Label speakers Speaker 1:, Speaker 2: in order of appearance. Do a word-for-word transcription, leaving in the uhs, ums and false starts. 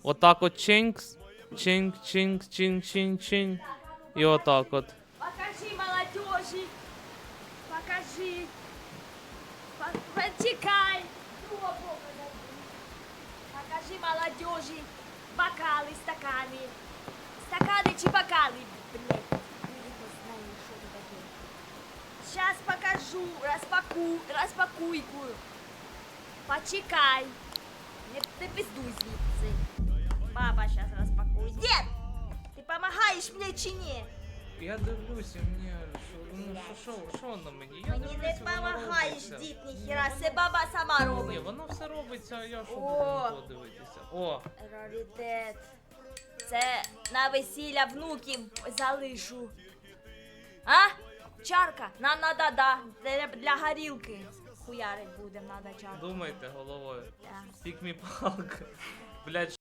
Speaker 1: Отак от чинкс. Чинк, чинк, чинк, чинк, чинк. І отак от.
Speaker 2: Покажи молодежи. Покажи. По- Почекай. Покажи молодежи. Бокалы, стаканы. Стаканы чи бокалы, блядь. Я не знаю, что это такое. Сейчас покажу. Распаку, распакуйку. Почекай. Не, не пиздуй звідси. Баба сейчас распакует. Дед! Ты помогаешь мне чи ні?
Speaker 1: Я дивлюся, мені, що, ну, що, що, що воно мені? Я
Speaker 2: Мені не
Speaker 1: дивлюся, воно
Speaker 2: помагаєш,
Speaker 1: робиться.
Speaker 2: дід, ніхіра, це баба сама
Speaker 1: Ні,
Speaker 2: робить.
Speaker 1: воно все робиться, а я що
Speaker 2: О!
Speaker 1: буду на то дивитися? О,
Speaker 2: Раритет. Це на весілля внуків залишу. А? Чарка? Нам надо, да. Для, для горілки. Хуярить будем, надо чарку.
Speaker 1: думайте головою.
Speaker 2: Да.
Speaker 1: Пік мі палка. Блядь,